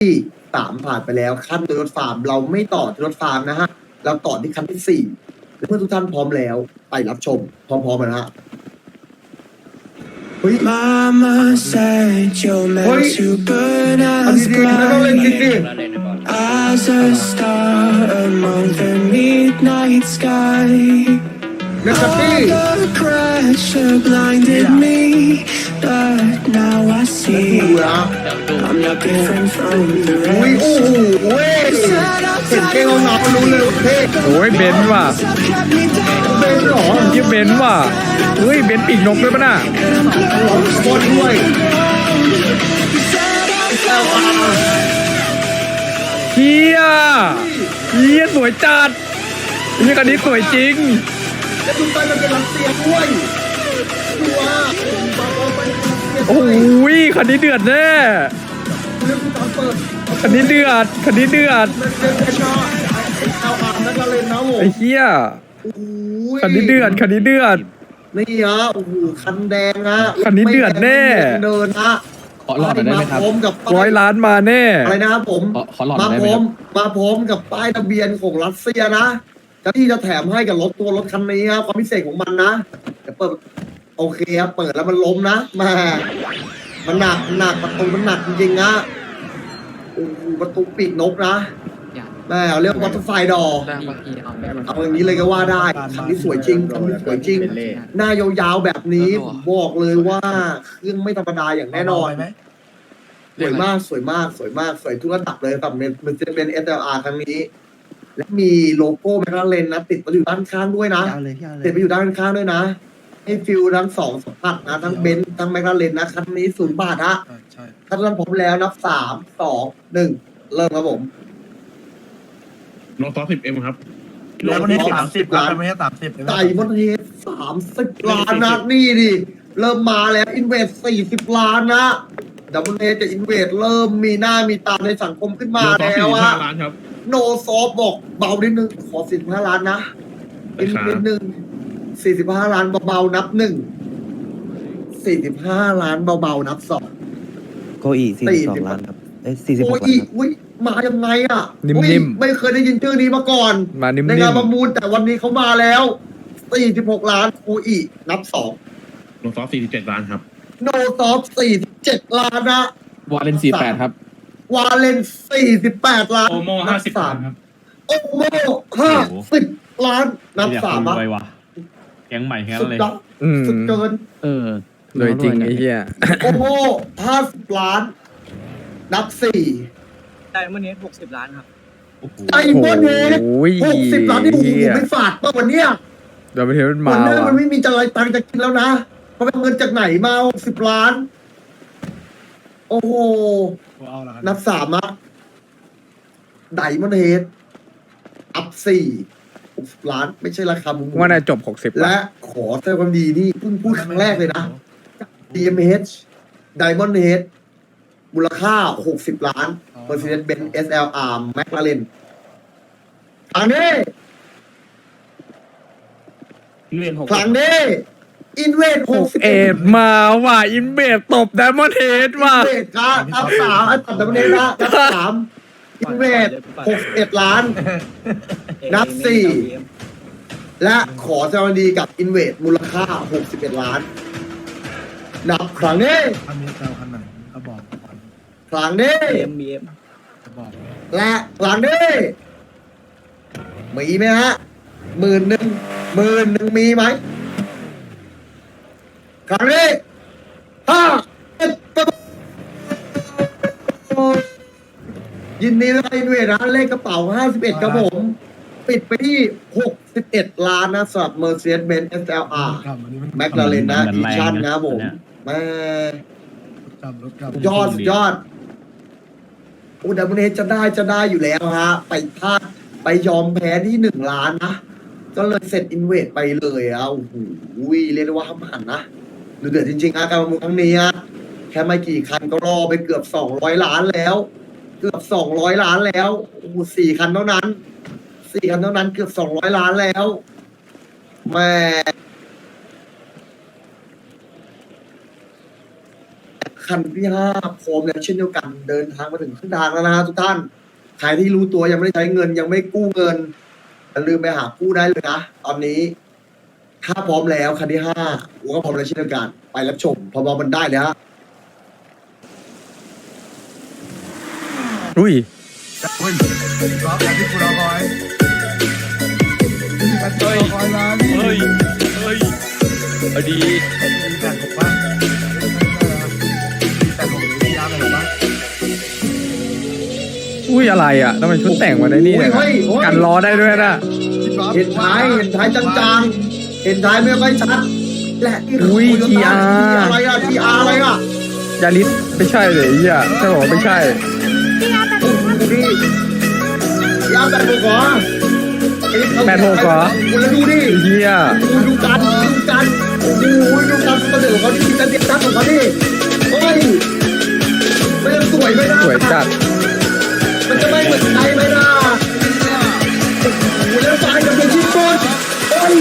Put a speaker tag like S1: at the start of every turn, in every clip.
S1: ที่สามผ่านไปแล้วขั้นตัวรถฟาร์มเราไม่ต่อที่รถฟาร์มนะฮะเราต่อที่ขั้นที่สี่เมื่อทุกท่านพร้อมแล้วไปรับชมพร้อมๆกันนะฮะเฮ้ย
S2: Mama said you're meant to burn
S1: อัน
S2: as
S1: ดีๆไม่ต้องเล่นจริงดิ
S2: as a star among the midnight sky.
S1: เล่นกับพี่
S2: All the pressure blinded me, but now I
S1: ดู
S2: see
S1: นะ
S2: I'm not different from the
S1: อุ้ย
S2: rest.
S1: โอ้โหเว้ยเห็นเก่งเอาหนารู้เลยว่าเท่
S3: โอ้ยเบนซ์ว่ะ
S1: เป็นหรอ
S3: ยี่เบนซ์ว่ะเฮ้ยเบนซ์ปีกนกด้วยปะน่ะ
S1: ร้องโคตรด้วย
S3: เฮียสวยจัดเฮียคันนี้สวยจริง
S1: แล้วดูไปมันเป็นรัสเซียด้วยดูว่าบาบอไปรัสเซีย
S3: โอ้ยคันนี้เดือดแน่
S1: เรื่องที่ตอนเปิด
S3: คันนี้เดือด
S1: มันเป็นแค่ชอบเอาอาบนักเล่นนะผม
S3: ไอ้เฮีย
S1: โอ้ย
S3: คันนี้เดือด
S1: นี่ฮะโอ้โหคันแดงฮะ
S3: คันนี้เดือดแน่
S1: เดินฮะ
S4: ขอหลอดหน่อยได้ไหมครับ
S1: าพร้อมกับ
S3: 100 ล้านมาแน่
S1: อะไรนะครับผม
S4: ขอหลอด
S1: มา
S4: ได้
S1: พ
S4: ไหม
S1: ร้อ
S4: ครั
S1: ม
S4: บ
S1: มาพร้อมกับป้ายทะเบียนของรัสเซียนะที่จะแถมให้กับรถคันนี้ครับความพิเศษของมันนะเดี๋ยวเปิดโอเคครับเปิดแล้วมันล้มนะแม่มันหนักประตูมันหนักจริงๆนะโอ้โหประตูปีกนกนะแม่เรียกวัตถุไฟดอเอาอย่างนี้เลยก็ว่าได้คันนี้สวยจริงคันนี้สวยจริง หน้ายาวๆแบบนี้ผมบอกเลยว่าเครื่องไม่ธรรมดาอย่างแน่นอนสวยมากสวยมากสวยมากสวยทุกระดับเลยแบบมันจะเป็น SLR ครั้งนี้ และมีโลโก้แมคลาเรนนะติดมาอยู่ด้านข้างด้วยนะติดไปอยู่ด้านข้างด้วยนะ ให้ฟิลทั้งสองสัมผัสนะทั้งเบนซ์ทั้งแมคลาเรนนะคันนี้0 บาทฮะถ้าท่านพร้อมแล้วนับ3 2 1เริ่มครับผม
S5: โลซอ10M ครับ
S6: แล้ววันนี้30ล้านไม่ใช่30
S1: ไก่มอนเทส30 ล้านนะนี่ดิเริ่มมาแล้วอินเวส40 ล้านนะดับเบิลเทจะอินเวสเริ่มมีหน้ามีตาในสังคมขึ้นมา
S5: โลซอ
S1: แล้วอะ
S5: 45 ล้านครับ
S1: โนซอฟบอกเบานิดนึงขอ45 ล้านนะอินนิดนึง45 ล้านเบาๆนับ1 45 ล้านเบาๆนับ2
S7: โกอี42 ล้านครับ
S1: โอ้ย
S7: 46 ล้านครับ
S1: อุ้ยมายังไงอ่ะ
S3: นิ่มๆ
S1: อุ้ยไม่เคยได้ยินชื่อนี้มาก่อน
S3: มานิ่ม
S1: ในงานประมูลแต่วันนี้เขามาแล้ว46 ล้านคูอีนับ2
S5: โลซอ47 ล้านครับ
S1: โนซอฟ47 ล้านนะ
S4: วาเลน48 ครับ
S1: วาเลน48 ล้าน
S5: โอโม่
S1: นับ
S5: 50 ล้านครับ
S1: โอโม50 ล้านนับ3อ่ะ
S8: แก๊งใหม่แค่
S1: สุ
S8: นั้น
S1: ด
S8: เลย
S1: ยอดสุดเกิน
S3: สวยจริงไอ้เฮีย
S1: โอโม50 ล้าน นับ4
S6: ไดมอนด์เฮด60 ล้านครับ
S1: ไอ้โมเนส
S3: โอ้ย
S1: 60 ล้านที่ผมไม่ฝาดป่ะวันเนี้ย
S3: เดี๋ยวไปเห็นมัน
S1: วั
S3: มาน
S1: หน้า
S3: ว่ะ
S1: มันไม่มีจะอะไรตังค์จะกินแล้วนะเพราะเป็นเงินจากไหนมา60 ล้าน โอ้โห นับ3อ่ะไดมอนเฮดอัพ60 ล้าน ไม่ใช่ราคามุม
S3: ว่าน่าจบ60
S1: และ
S3: ละ
S1: ขอแสดงความดีนี่เพิ่งพูดครั้งแรกเลยนะ DMH Diamond Head มูลค่า60 ล้าน Mercedes-Benz SLR McLaren ครั้งนี้ครั้งนี้อินเวส
S3: เอ็ดมาว่ะอินเบดตบไดมอนด์เฮดว่ะ
S1: อินเวสครับนับ3อันตัดดับเบิลนะนับ3อินเวส61 ล้าน นับ4และขอแสดงความดีกับอินเวสมูลค่า61 ล้าน นับครั้งนี้
S6: คันนี้เราคันไหนก็บอกก่อน
S1: ครั้งนี้
S6: จะบอก
S1: และครั้งนี้มีไหมฮะ10,000มีไหมครั้งนี้ยินดีด้วยด้วยนะเลขกระเป๋า51ครับผม ปิดไปที่61 ล้านนะสำหรับ Mercedes-Benz SLR
S6: กลับวันนี้มัน
S1: McLaren นะอีชั่นนะครับผมแม่
S6: รถกลับ
S1: สุดยอดโอ้ดับเบิลเฮดจะได้อยู่แล้วฮะ ไปพลาดไปยอมแพ้ที่1 ล้านนะ ก็เลยเสร็จอินเวสไปเลยอ่ะโอ้โหเรียกได้ว่าห้ามหันนะดูเดือดจริงๆการประมูลครั้งนี้อะแค่ไม่กี่คันก็รอไปเกือบ200 ล้านแล้ว เกือบ200 ล้านแล้วโอ้โห4 คันเท่านั้น4 คันเท่านั้นเกือบ200 ล้านแล้วแม่คคันที่ห้าพร้อมแล้วเช่นเดียวกันเดินทางมาถึงครึ่งทางแล้วนะฮะทุกท่านใครที่รู้ตัวยังไม่ได้ใช้เงินยังไม่กู้เงินอย่าลืมไปหากู้ได้เลยนะตอนนี้ถ้าพร้อมแล้วคันที่ห้ากูก็พร้อมแล้วเช่นเดียวกันไปรับชมพอมันได้เลยฮะ
S3: อุ้ย
S6: เฮ้ยรอแบบที่กูรอคอยแบบที่รอคอยมาพี่
S3: เฮ้ยเอาดี
S6: มีแต่ถูกป่ะมีแต่ถูกหรือมีน้ำอะไรถูกป่ะ
S3: อุ้ยอะไรอ่ะทำไมชุดแต่งมาได้นี่เนี่ย
S1: เฮ้ย
S3: กันล้อได้ด้วยนะ
S1: เห็นท้ายจางๆเห็นท้ายไม่ค่อยชัดและนี่คือ
S3: อุ้ย
S1: โตโยต้า
S3: GR
S1: อะไรอะ GR อะไรอะ
S3: ยาลิสไม่ใช่เลยไอ้เหี้ยใช่บอกว่าไม่ใช่
S1: ดูดิยาวแบบหัว
S3: 86เหรอ
S1: แล้วดูดิ
S3: ไอ้เหี้ย
S1: ดูกันโอ้โหดูกันเสนอเขาดิจะเด็ดตั้งของเขาดิโอ้ยมันจะสวยไหมนะ
S3: สวยจัด
S1: มันจะไม่เหมือนใครไหมนะโอ้โหแล้วสายกับเป็นชิ้นก้นโอ้ย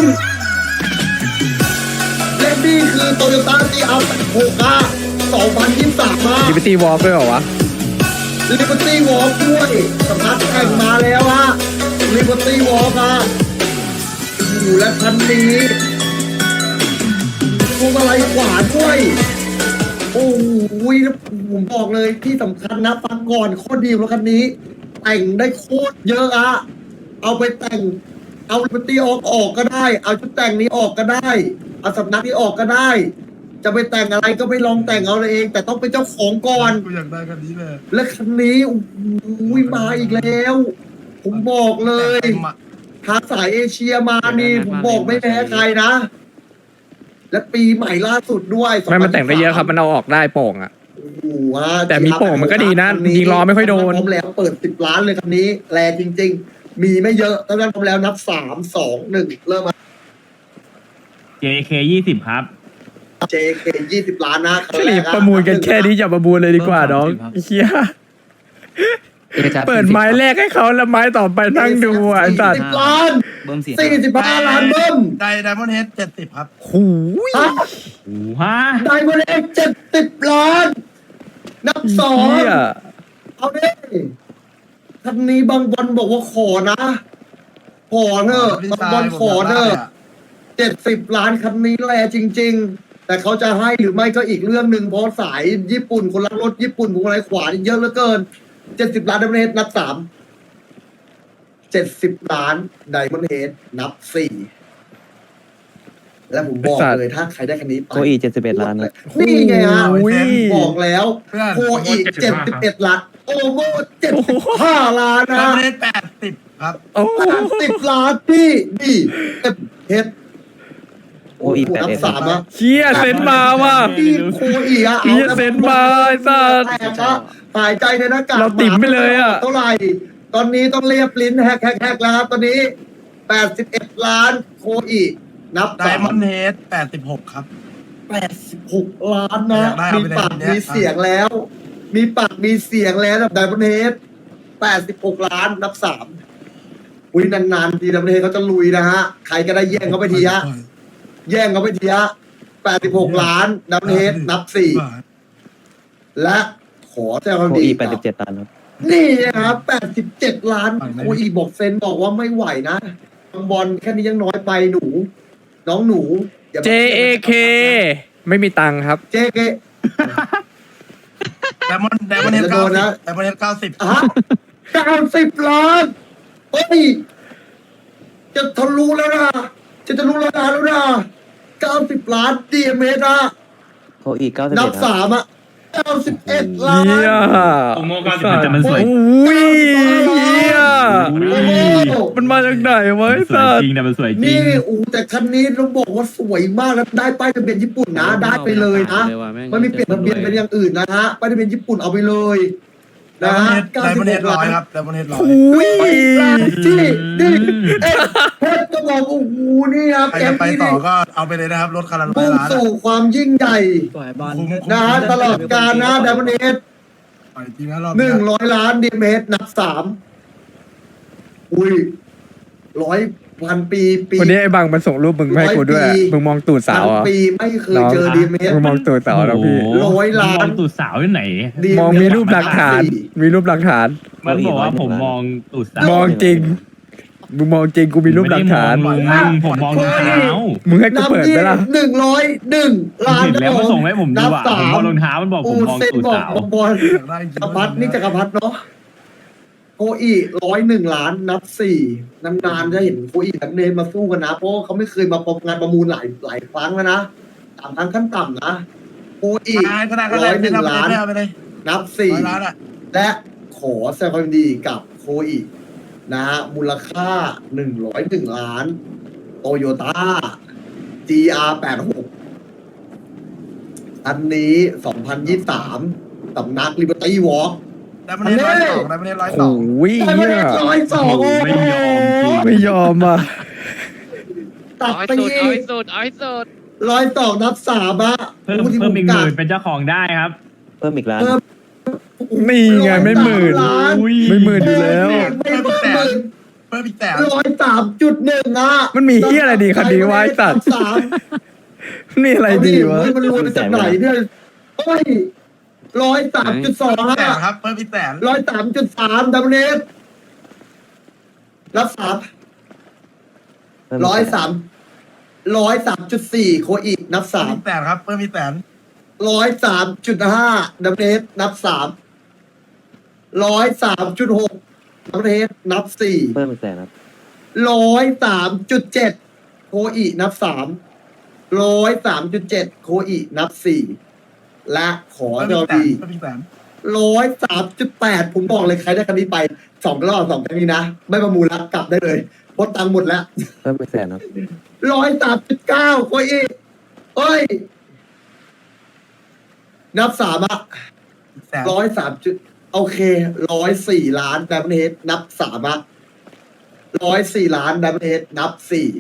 S1: และนี่คือโตโยต้าซีอัล6อะ2023มา
S3: ลิเบอร์ตี้วอล์กด้วยเหรอวะ
S1: ลิเบอร์ตี้วอล์กด้วยสำนักแข่งมาแล้วฮะลิเบอร์ตี้วอล์กอะโอ้โหและคันนี้พวงมาลัยขวาด้วยโอ้โหแล้วผมบอกเลยที่สำคัญนะฟังก่อนโคตรดีแล้วคันนี้ แต่งได้โคตรเยอะอะเอาไปแต่งเอาลิเบอร์ตี้ออกก็ได้ เอาชุดแต่งนี้ออกก็ได้เอาสำนักนี้ออกก็ได้ จะไปแต่งอะไรก็ไปลองแต่งเอาเอง แต่ต้องเป็นเจ้าของก่อน
S6: กูอยากได้คันนี้เลย
S1: และคันนี้โอ้โหมาอีกแล้ว ผมบอกเลยทางสายเอเชียมานี่ผมบอกไม่แพ้ใครนะ และปีใหม่ล่าสุดด้วย
S3: ไม่มันแต่งได้เยอะครับ มันเอาออกได้โป่งอ่ะ
S1: โอ้โหฮะ
S3: แต่มีโป่งมันก็ดีนะ
S1: คั
S3: ยิงล้อไม่ค่อยโดน
S1: พร้อมแล้วเปิด10 ล้านเลยคันนี้แรงจริง ๆ มีไม่เยอะตั้งแต่พร้อมแล้วนับ3 2 1เริ่มมา
S8: JK 20 ครับ
S1: JK 20 ล้านนะคัน
S3: รี
S1: แร
S3: บ
S1: กอ
S3: ประมูลกันแค่นี้อย่าประมูลเลยดีกว่าน้องไอ้เหี้ยเปิดไม้แรกให้เขาแล้วไม้ต่อไปนั่งดูอ่ะไอ้สัตว์
S1: 40 ล้าน
S8: เบิ้มเสียง
S1: 45 ล้านเบิ้ม
S6: ไดมอนด์เฮด70ครับ
S3: หูย
S1: ฮะ
S8: โอ้ฮะ
S1: ได้มาเลข70 ล้าน นับสอง
S3: เหี้ย
S1: เอาดิคันนี้บางบอลบอกว่าขอนะ ขอเถอะบางบอลขอเถอะ70 ล้านคันนี้แลจริง ๆ แต่เขาจะให้หรือไม่ก็อีกเรื่องหนึ่งเพราะสายญี่ปุ่นคนรักรถญี่ปุ่นพวงมาลัยขวานี่เยอะเหลือเกิน70 ล้านไดมอนด์เฮดนับ3 70 ล้านไดมอนด์เฮดนับ4และผมบอกเลยถ้าใครได้คันนี้ไป
S7: โคอี71 ล้านนะ
S1: นี่ไงฮะ
S3: อุ้ย
S1: บอกแล้วโคอีก71 ล้าน โอโม75 ล้าน
S6: ได
S1: นะ
S6: มอนด์เฮด80ครับ
S3: โอ้
S1: 10 ล้านพี่ดีเฮ็ด
S7: โคอี
S1: นับ
S7: 81
S1: 3อะ
S3: เชี่ยเซ็นมาว่ะ
S1: พี่โคอีอะ
S3: เหี้ยเซ็นมาไอ้สัส
S1: แตกอะหายใจในหน้ากาก
S3: เราติ่มไปเลยอะ
S1: เท่าไหร่ ตอนนี้ต้องเรียบลิ้นแฮกแล้วครับตอนนี้ 81 ล้านโคอีนับ
S6: ไดมอนด์เฮด86ครับ
S1: 86 ล้านนะ
S6: อยากได้เอา
S1: มี
S6: ไปเลย
S1: ปาก
S6: เนี่ย
S1: มีเสียงแล้ว มีปากมีเสียงแล้วแบบไดมอนด์เฮด86 ล้านนับ3อุ้ยนานๆทีไดมอนด์เฮดเขาจะลุยนะฮะ ใครก็ได้แย่งเขาไปทีฮะ แย่งเขาไปทีฮะ86 ล้านไดมอนด์เฮดนับ4และขอแจ้งความ
S7: โค
S1: ดี
S7: อี
S1: กับ
S7: 87 ล้านครับ
S1: นี่นะครับ87 ล้านโอ้ยบอกเซนบอกว่าไม่ไหวนะบางบอลแค่นี้ยังน้อยไปหนู น้องหนูอย่ามา
S3: JAK ไม่มีตังค์ครับ
S1: JK
S6: ไดมอนด์เฮด
S1: โดนนะ
S6: 90ไดมอนด์เฮด90
S1: ฮะ90 ล้านเฮ้ย จะทะลุแล้วนะจะทะลุแล้วนะ90 ล้านดีเมตรนะ
S7: โคอี91
S1: นับ
S7: ครับ
S1: 3อะ91 ล้าน
S3: เหี้ย
S8: โอโม90แต่มันสวย
S3: อุ้ยเหี้ย
S1: โอ้โห
S3: มันมาจากไหนวะไอ้
S8: สวย
S3: สัส
S8: จริงแต่มันสวยจริ
S1: นี่
S8: ง
S1: แต่คันนี้ต้องบอกว่าสวยมากแล้วได้ป้ายทะเบียนญี่ปุ่นนะ ได้ไปเลยนะไม่มีเปลี่ยนทะเบียนเป็นอย่างอื่นนะฮะป้ายทะเบียนญี่ปุ่นเอาไปเลย
S6: ได
S1: นะ
S6: มอน
S1: ฮะ
S6: ด์เฮด
S1: 96 ล้าน
S6: 100ครับไดมอนด์เฮด100
S3: อุ้ย
S1: ที่นี่เพชรก็บอกโอ้โหนี่ครับ
S6: ใคร
S1: แก
S6: จะ
S1: ม
S6: ไป
S1: นี้
S6: ต่อ
S1: นี่
S6: ก็เอาไปเลยนะครับรถคันละ100
S1: มุ่ง
S6: ล้าน
S1: สู่ความยิ่งใหญ่
S6: สวยบอล
S1: นะฮะตลอดกาลนะดับเบิลเอส
S6: ปล่อยจริงนะรอบนี้
S1: 100 ล้านดีเมตรนับ3อุ้ย 100,000 ปีปี
S3: วันนี้ไอ้บังมันส่งรูปมึงมาให้กูด้วย
S1: 100 ปี
S3: มึงมองตูดสาว
S1: พัน
S3: เหรอ
S1: ปีไม่เคย
S3: น้อง
S1: เจอดีเมส
S3: มึงมองตูดสาวแล้วพี่
S8: โอ้โห
S1: 100 ล้าน
S8: มองตูดสาวที่ไหน
S3: มองมีรูปหลักฐาน มีรูปหลักฐาน
S8: มันบอกว่าผมมองตูดสาว
S3: มองจริง มึงมองจริงกูมีรูปหลักฐาน
S8: ไม่ได้มองลุงผมมองรองเท้า
S3: มึงให้กูเปิดไหมล่ะ
S1: 101 ล้าน
S8: เห็นแล้วมันส่งให้ผมดูอ่ะ
S1: นับ
S8: ผมมองรองเท้ามันบอกผมมอง
S1: เส้น
S8: ตูด
S1: บอก
S8: สาว
S1: บอล
S6: อยากได้จริง
S1: จักรพัฒนี่จักรพัฒเนาะโคอี101 ล้านนับ 4นานๆจะเห็นโคอีกับเนมมาสู้กันนะเพราะเขาไม่เคยมาประงานประมูลหลายครั้งแล้วนะ3 ครั้งขั้นต่ำนะโคอี
S6: ก็ได้
S1: 101 ล้าน
S6: ไปเลย
S1: นับ
S6: ร้านอ่ะ
S1: 4 และขอแสดงความยินดีกับโคอีนะฮะมูลค่า101 ล้านโตโยต้า GR86 อันนี้2023สำนัก Liberty Walk
S6: ได้มาเล่น102ได้มาเล่น
S3: โอ้
S6: 102
S3: ย
S1: ได้
S3: เหี้
S1: มาย ได้102
S8: ไม่ยอมจริง
S3: ไม่ยอมอ่ะ
S1: ตัด
S9: เอาให้
S1: ไป
S9: สุด
S1: อี
S9: เอาให้
S1: ก
S9: สุดเอาให้สุด
S1: 102 นับ 3อะ
S8: เพิ่ม
S1: ผู้ที่
S8: เพิ่มอีก
S1: ผ
S8: หมื่นเป็นเจ้าของได้ครับ
S7: เพิ่มอีกล้าน
S1: เพิ่ม
S3: นี่ไงไม่หมื่น
S1: ล้าน
S8: อุ้ย
S3: ไม่หมื่นอยู่แล้ว
S1: ไม่เพิ่ม
S6: เพิ่มอีกแต่
S1: 103.1อะ
S3: มันมีเหี้ยอะไรดีคดีวะไอ้สัตว์
S1: สาม
S3: นี่อะไรดีวะ
S1: มันรวมมาจากไหนเนี่ยโอ้ย103.2
S6: แต่
S1: อะ
S6: ครับเพิ่มอีกแต่
S1: 103.3ดับเบิลเอสรับ3
S7: เพิ่มอีกแต่
S1: 103.4 โคอีกนับ
S6: เพิ่มอีกแต่ครับเพิ่มอีกแต่
S1: 3 103.5ดับเบิลเอสนับ 3 103.6ดับเบิลเอสนับ 4
S7: เพิ่มอีกแต่ครับ
S1: 103.7 โคอีนับ 3 103.7 โคอีนับ 4 และขอ
S6: เพิ่ม
S1: เจ้า
S6: อีกแต่
S1: ดี
S6: เพิ่มอีกแต่
S1: 103.8 ผมบอกเลยใครได้คันนี้ไป2 รอบ2 ครั้งนี้นะ ไม่ประมูลแล้วกลับได้เลยเพราะตังค์หมดแล้ว
S7: เพิ่มอีกแต่ครับ
S1: 103.9 โคอีเอ้ย นับ 3 อ่ะ
S6: แต่
S1: 103จุดโอเค104 ล้านดับเบิลเฮดนับ 3 อ่ะ104 ล้านดับเบิลเฮดนับ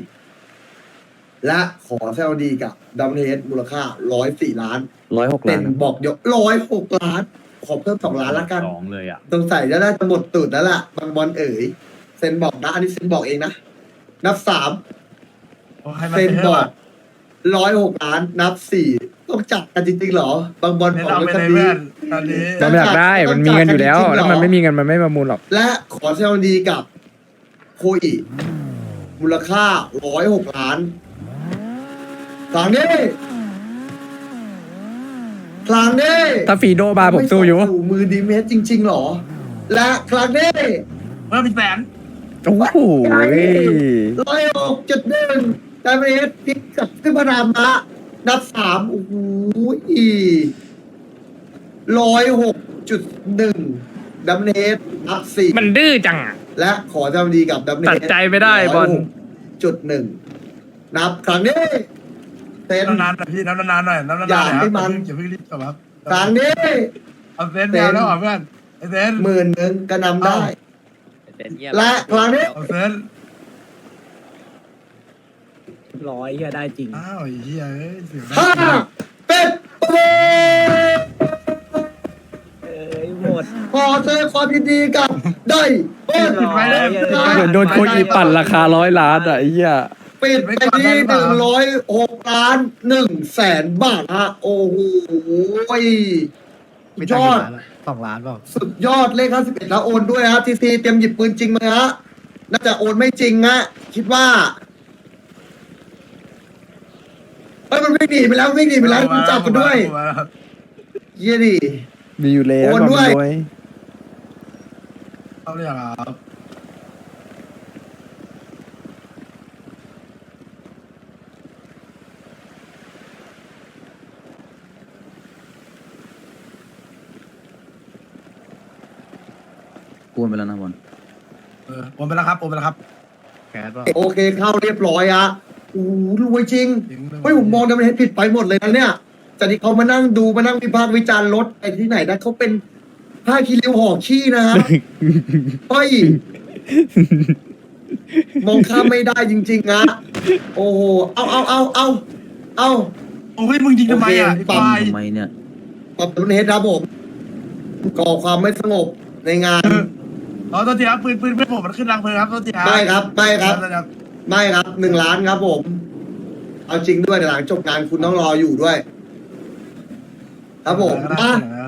S1: 4 และขอแซวดีกับดับเบิลเฮดมูลค่า104 ล้าน
S7: 106
S1: เป็
S7: ล้าน นครับ
S1: บอกเดี๋ยว106 ล้าน ขอเพิ่ม2 ล้านละกัน
S8: สองเลยอ่ะ
S1: สงสัยจะได้จะหมดตูดแล้วล่ะ บางบอลเอ๋ยเซนบอกนะ อันนี้เซนบอกเองนะ นับ 3
S6: ให้มัน
S1: เซน
S6: เป็น
S1: บ
S6: เท่า
S1: อก106 ล้าน นับ 4 ต้องจับกันจริงๆเหรอ บางบอล
S6: เน้น
S1: บอก
S6: เอา
S1: ไว้
S6: ไป
S1: กัน
S6: เลย
S1: ดี
S6: เพื่อนตอนนี้
S3: มันอยากได้ มันมีเงินอยู่แล้ว แล้วมันไม่มีเงินมันไม่ประมูลหรอก
S1: และขอแสดงความยินดีกับโคอีมูลค่า106 ล้านครั้งนี้ครั้งนี้
S3: ถ้าฟีโดบาร์ผมสู้อยู่
S1: ไม่มือดีเมสจริง ๆ หรอ และครั้งนี้
S6: เพิ่มอีกแต่
S3: โอ้โห
S1: 106.1แต่เมสพลิกกับขึ้นพนามะนับ 3 โอ้โห106.1ดับเบิลเฮดนับ 4
S3: มันดื้อจังอะ
S1: และขอแสดงความยินดีกับดับเบิลเฮด
S3: ตัดใจไม่ได้บอล
S1: 106.1 นับครั้งนี้เซน
S6: นานๆหน่อยพี่น้ำนานๆหน่อยน้ำนานๆหน่อยครับอย่าเพิ่งรีบจบครับ
S1: ครั้งนี้
S6: เอาเซนแนวแล้วเหรอเพื่อนไอเซน
S1: 10,000ก็นำได้
S9: เป็นเงียบ
S1: และครั้งนี้
S6: เอาเซน
S10: 100เฮียได้จริง
S6: อ้าวไอ้เหี้ยเอ้ยเสียง
S1: ห้าเป็ดประมูล
S10: เอ้ยหมด
S1: ขอแสดงความยินดีกับได้เปิด
S10: ไปเลย
S3: เหมือนโดนโคอีปั่นราคา100 ล้านอ่ะไอ้เหี้ย
S1: ปิดไปที่106 ล้าน100,000 บาทฮะ โอ้โหยอด
S10: 2 ล้านเปล่า
S1: สุดยอดเลข51แล้วโอนด้วยฮะทีซีเตรียมหยิบปืนจริงมาฮะน่าจะโอนไม่จริงฮะคิดว่าเฮ้ยมันวิ่งหนีไปแล้ววิ่งหนีไปแล้วคุณจับกันด้วยเยี่ยดิ
S3: มีอยู่แล้ว
S1: โอนด้วย
S3: ความรวย
S6: เอาเลยเหรอครับ
S4: กูไปแล้วนะบอล
S6: โอนไปแล้วครับโอนไปแล้วครับ
S10: แคสเปล่า
S1: โอเคเข้าเรียบร้อยฮะโอ้โหรวยจริง
S6: จริงด้วย
S1: เฮ้ยผมมองดับเบิลเฮดผิดไปหมดเลยนะเนี่ยจากที่เขามานั่งดูมานั่งวิพากษ์วิจารณ์รถไปที่ไหนนะเขาเป็นผ้าคีริ้วห่อขี้นะครับ เฮ้ยมองข้ามไม่ได้จริงๆนะโอ้โหเอา
S6: โอ้ยมึงยิงทำไมอ่ะ
S1: โอเค
S6: ไอ้ควาย
S4: ทำไมเนี่ย
S1: ขอบคุณเฮดครับผมก่อความไม่สงบในงาน
S6: อ๋อตัวทีครับปืนเพื่อนผมมันขึ้นรังเพลิงครับตัวทีครับ
S1: ไม่ครับไม่ครับ
S6: ครับ
S1: ไม่ครับ1 ล้านครับผม เอาจริงด้วยเดี๋ยวหลังจบงานคุณต้องรออยู่ด้วย ครับผม
S6: ได้
S1: มา
S6: ได้